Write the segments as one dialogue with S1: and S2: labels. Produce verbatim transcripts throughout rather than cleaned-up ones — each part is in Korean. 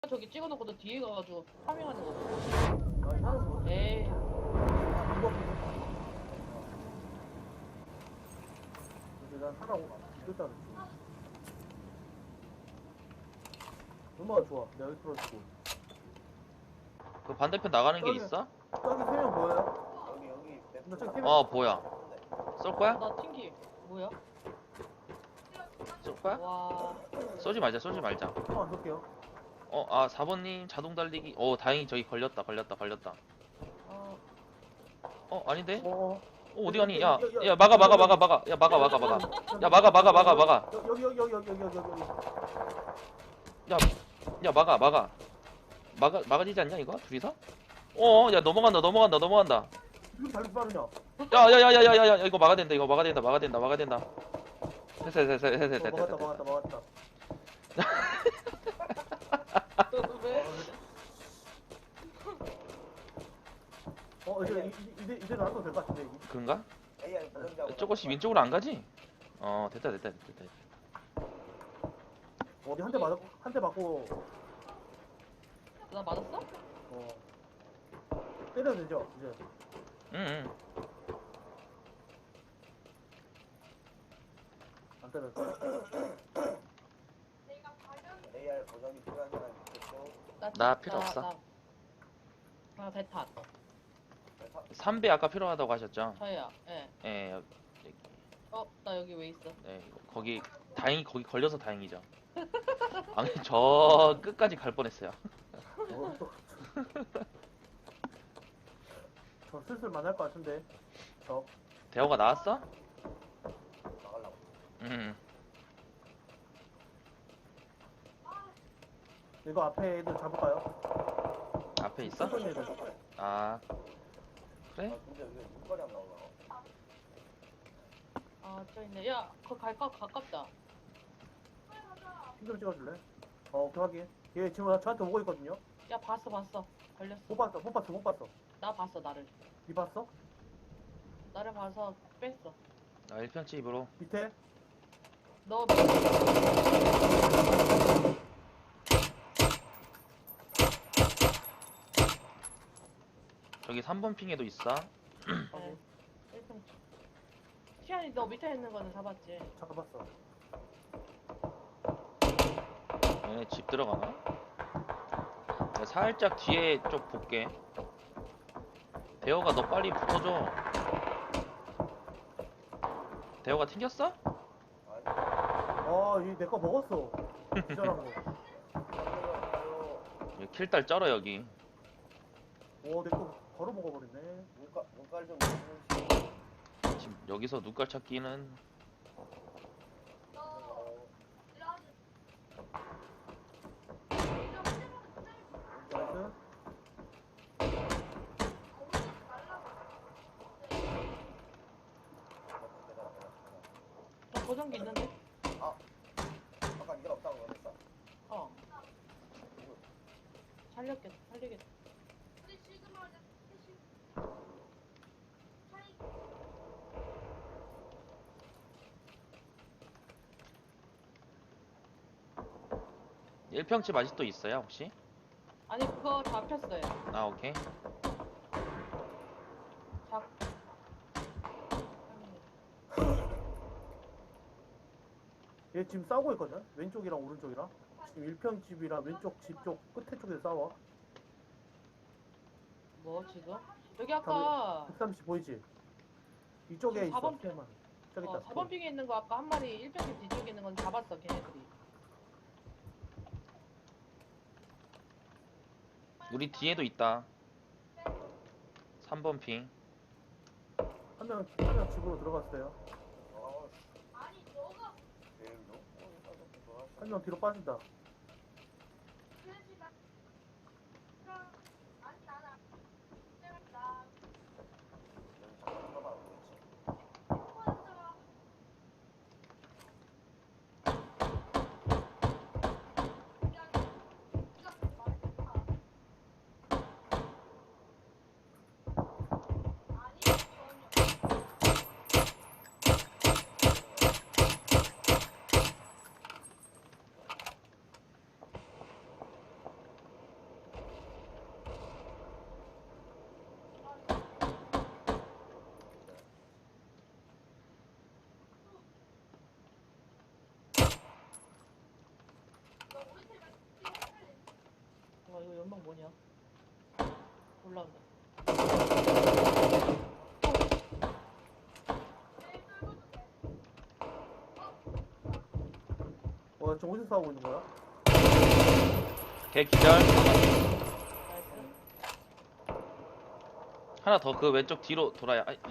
S1: 저기 찍어놓고 너 뒤에 가가지고 파밍하는 거.
S2: 아니 하는 거
S1: 에이.
S2: 이거 근데 난 하라고 이겼다 그랬지. 얼마나 좋아. 내가 여기 풀어주고.
S3: 그 반대편 나가는 게
S2: 저기.
S3: 있어?
S2: 저기 세 명 보여요?
S4: 여기 여기
S2: 나 저기 세 명.
S3: 어 보여. 쏠 거야?
S1: 나 튕기. 뭐야?
S3: 쏠 거야?
S1: 와.
S3: 쏘지 말자 쏘지 말자.
S2: 어, 안 쏠게요.
S3: 어 아 사 번님 자동 달리기. 어 다행히 저기 걸렸다 걸렸다 걸렸다.
S1: 어.
S3: 어 아닌데?
S2: 어,
S3: 어 어디 가니? 야 야 막아 막아 막아 막아. 야 막아 막아 막아. 야 막아 막아 막아 막아.
S2: 여기 여기 여기 여기 여기 여기 여기.
S3: 야 야 막아 막아. 막아 막아지지 않냐 이거 둘이서? 어야 넘어간다 넘어간다 넘어간다.
S2: 이렇게 달리 빠르냐?
S3: 야야야야야야 이거 막아야 된다 이거 막아야 된다 막아야 된다 막아야 된다. 됐어 됐어 됐어 됐어
S2: 어,
S3: 됐어
S2: 막았다
S3: 됐어.
S2: 막았다 막았다.
S1: 왜?
S2: 어 이제 이- 이제 이제 나도 될 것 같은데 이게.
S3: 그런가?
S4: 에이아이 보정자고
S3: 조금씩 왼쪽으로 안 가지? 어 됐다 됐다 됐다 됐다.
S2: 어디 한 대 맞았고 한 대 맞고
S1: 나 맞았어?
S2: 어 때려도 되죠 이제.
S3: 응응.
S2: 안 때렸어.
S4: 에이아이 보정이 필요한 사람이 있겠죠.
S3: 나 필요 없어.
S1: 나, 나 대탄.
S3: 삼 배 아까 필요하다고 하셨죠?
S1: 저야. 예.
S3: 예, 여-
S1: 어, 나 여기 왜 있어?
S3: 예, 거기 다행히 거기 걸려서 다행이죠. 아니 저 끝까지 갈 뻔했어요.
S2: 어, 또. 저 슬슬 만날 것 같은데. 저.
S3: 대호가 나왔어?
S4: 나가려고.
S3: 응.
S2: 이거 앞에 애들 잡을까요?
S3: 앞에 있어?
S2: 어떤 애들?
S3: 아 그래?
S4: 아 근데 왜 눈깔이 안 나오나?
S1: 아, 저 있네. 야, 그거 갈까? 가깝다.
S2: 힘좀 찍어줄래? 어, 오케이 확인. 얘 지금 저한테 오고 있거든요.
S1: 야, 봤어, 봤어. 걸렸어.
S2: 못 봤어, 못 봤어, 못 봤어.
S1: 나 봤어, 나를.
S2: 니 봤어?
S1: 나를 봐서 뺐어.
S3: 나 일 편치 입으로.
S2: 밑에?
S1: 너
S3: 저기 삼 번 핑에도 있어.
S1: 네. 일단 시안이 너 밑에 있는 거는 잡았지.
S2: 잡았어.
S3: 얘네 집 들어가나? 내가 살짝 뒤에 쪽 볼게. 대호가 너 빨리 붙어줘. 대호가 튕겼어?
S4: 아니
S2: 아, 얘 내 거 먹었어. 기절한 거.
S4: 가요.
S3: 여기 킬딸 쩔어 여기.
S2: 오, 내 거 바로 먹어버렸네.
S4: 눈깔 눈깔 좀 보는
S3: 지금 여기서 눈깔 찾기는
S2: 나이스.
S1: 저 보정기 있는데?
S4: 아까 네가 없다고 그랬어?
S1: 어. 살렸겠다, 살리겠다.
S3: 일 평집 아직도 있어요 혹시?
S1: 아니, 그거 잡혔어요.
S3: 아 오케이.
S1: 잡.
S2: 얘 지금 싸우고 있거든? 왼쪽이랑 오른쪽이랑. 지금 일 평 집이랑 왼쪽 집 쪽 끝에 쪽에서 싸워.
S1: 뭐 지금? 여기 아까
S2: 백삼십 보이지? 이쪽에
S1: 지금
S2: 있어.
S1: 사 번
S2: 피해만. 저기
S1: 어,
S2: 있다.
S1: 사 번 핑에 있는 거 아까 한 마리 일 평집 뒤쪽에 있는 건 잡았어, 걔네들이.
S3: 우리 뒤에도 있다. 삼 번 핑.
S2: 한 명, 한 명 집으로 들어갔어요.
S4: 아 제일로? 어,
S2: 한 명 뒤로 빠진다.
S4: 잠깐 들어봐 그렇지.
S1: 연막 뭐냐? 올라온다.
S2: 어, 지금 어디서 싸우고 있는 거야?
S3: 걔 기절.
S1: 나이스.
S3: 하나 더 그 왼쪽 뒤로 돌아야. 아이.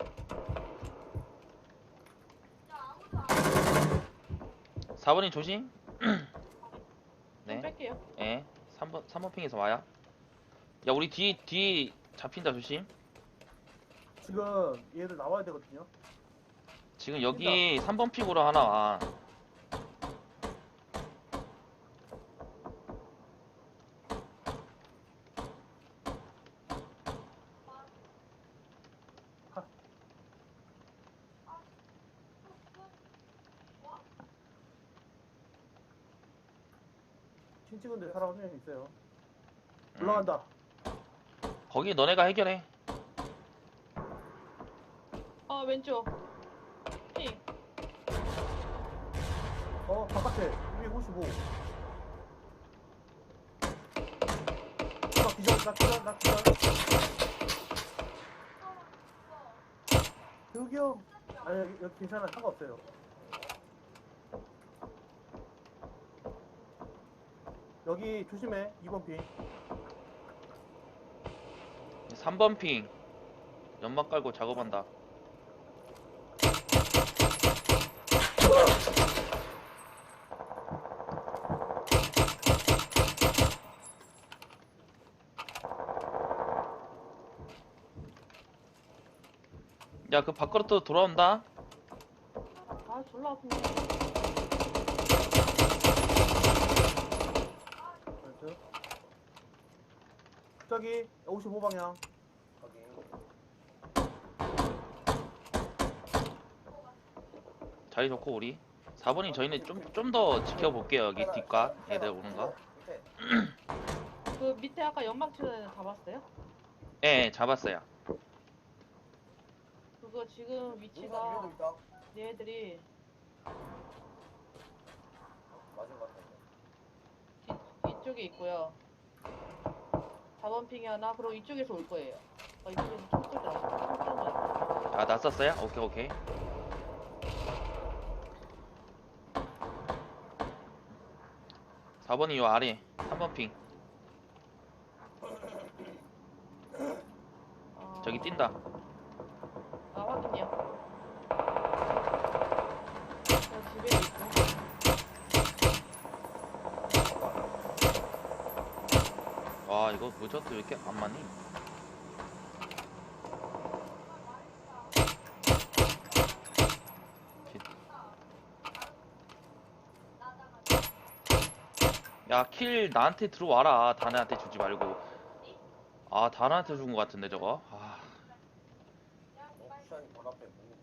S3: 사 번님 조심.
S1: 좀
S3: 네.
S1: 뺄게요.
S3: 예. 삼 번 삼 번 핑에서 와요. 야, 우리 뒤 뒤 잡힌다 조심.
S2: 지금 얘들 나와야 되거든요.
S3: 지금 여기 삼 번 핑으로 하나 와.
S2: 친 찍은데 사람 한 명 있어요.
S3: 음.
S2: 올라간다.
S3: 거기 너네가 해결해.
S1: 아 왼쪽. 핑.
S2: 어, 바깥에 이백오십오. 나 기절, 나 기절, 나 기절. 여기 형. 아니, 여기, 여기 괜찮아. 상관없어요. 여기 조심해. 이 번 핑.
S3: 삼 번 핑. 연막 깔고 작업한다. 야, 그 밖으로 또 돌아온다.
S1: 아 졸라 아프네.
S2: 나이스. 저기 오십오 방향.
S4: 확인.
S3: 자리 좋고 우리. 사 번이 저희는 좀 좀 더 지켜볼게요. 여기 뒷각 애들 오는 거.
S4: 밑에.
S1: 그 밑에 아까 연막 치는 애는 잡았어요?
S3: 예, 잡았어요.
S1: 그거 지금
S4: 눈썹
S1: 위치가
S4: 위에도 있다.
S1: 얘네들이
S4: 맞은 것 같아.
S1: 이, 이쪽에 있고요. 사 번 핑이 하나, 그리고 이쪽에서 올 거예요. 어, 이쪽에서 총 쏠 때, 총 쏘는 거 같아요.
S3: 아, 났었어요? 오케이, 오케이. 사 번이 요 아래. 삼 번 핑.
S1: 아,
S3: 저기 뛴다.
S1: 아, 확인이요. 저 집에 있고.
S3: 와, 이거 무저트 왜 이렇게 안 맞니? 야, 킬 나한테 들어와라. 다나한테 주지 말고. 아, 다나한테 준 거 같은데 저거. 아,
S4: 어, 쿠션이 바로 앞에 못,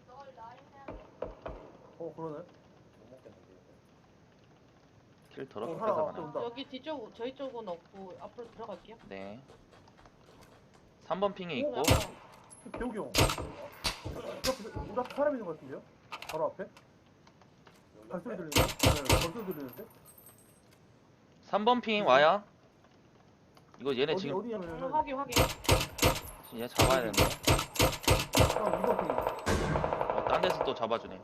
S2: 어, 그러네.
S4: 못 먹겠는데. 이거.
S3: 킬 더럽게
S2: 어, 하나
S3: 뺏어가네.
S2: 온다.
S1: 여기 뒤쪽, 저희 쪽은 없고, 앞으로 들어갈게요.
S3: 네. 삼 번 핑에 있고.
S1: 어,
S2: 배우기 형. 우리 앞에, 우리 앞에 사람 있는 것 같은데요? 바로 앞에?
S4: 여기
S2: 발소리
S4: 앞에?
S2: 들리는데? 네, 발소리 들리는데?
S3: 삼 번 핑 와요. 이거 얘네
S2: 어디,
S3: 지금
S2: 어디냐면
S1: 음, 확인, 확인.
S3: 얘 잡아야 되는데.
S2: 형, 이 번 핑.
S3: 어, 딴 데서 또 잡아주네.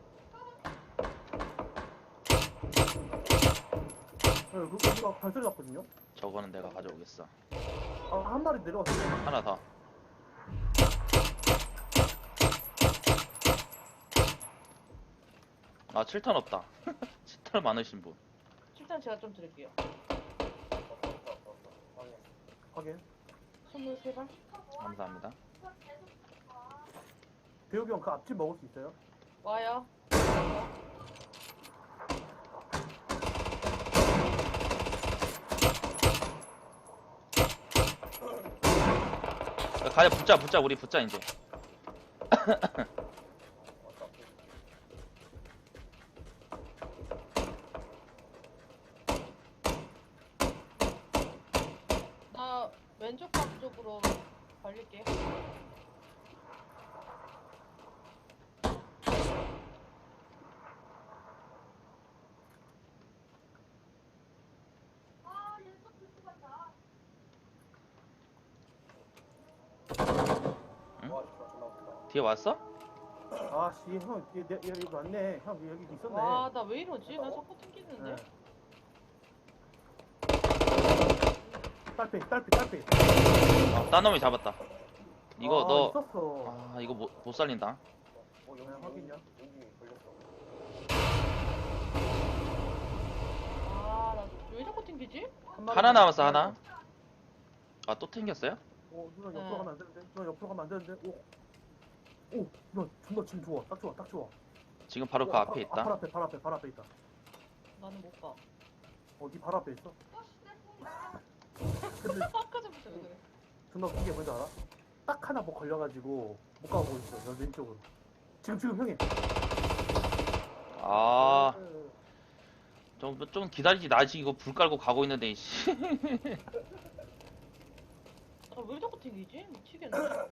S2: 네, 그, 거기가 발소리 났거든요?
S3: 저거는 내가 가져오겠어.
S2: 아, 한 마리 내려왔어요.
S3: 하나 더. 아, 칠 탄 없다. 칠 탄 많으신 분.
S1: 일단 제가 좀 드릴게요.
S4: 없어, 없어, 없어, 없어. 확인.
S2: 확인.
S1: 스물세 발?
S3: 감사합니다.
S2: 배우기 형, 그 앞집 먹을 수 있어요?
S1: 와요.
S3: 야, 가야 붙자, 붙자, 우리 붙자 이제.
S4: 왔다.
S1: 나 왼쪽 각 쪽으로 걸릴게.
S3: 뒤에 왔어?
S2: 아씨 형 얘, 얘, 여기 왔네. 형 여기 있었네.
S1: 와, 나 왜 이러지? 나 자꾸 튕기는데?
S2: 네. 딸피 딸피 딸피.
S3: 아, 딴 놈이 잡았다. 이거
S2: 아,
S3: 너,
S2: 있었어.
S3: 아, 이거 못, 못 살린다.
S4: 어, 여기,
S2: 네, 확인요.
S4: 여기, 여기 걸렸어.
S1: 아, 나 왜 자꾸 튕기지?
S2: 한 마리
S3: 하나 남았어,
S2: 한 마리
S3: 하나. 아, 또 튕겼어요?
S2: 오, 누나 옆으로
S1: 네.
S2: 가면 안 되는데. 누나 옆으로 가면 안 되는데. 오. 오, 누나 존나 지금 좋아. 딱 좋아. 딱 좋아.
S3: 지금 바로
S2: 오,
S3: 그
S2: 아,
S3: 앞에
S2: 아, 발
S3: 있다.
S2: 앞에, 발 앞에, 발 앞에 있다.
S1: 나는 못 봐.
S2: 어, 니 발 앞에 있어. 근데
S1: 아까 전부터 왜 그래?
S2: 존나 웃긴 게 뭔지 알아? 딱 하나 뭐 걸려가지고 못 가고 있어. 여 왼쪽으로. 지금 지금 형이.
S3: 아,
S2: 네.
S3: 좀, 좀 기다리지. 나 지금 이거 불 깔고 가고 있는데, 이씨.
S1: 아, 왜 자꾸 튕기지? 미치겠네.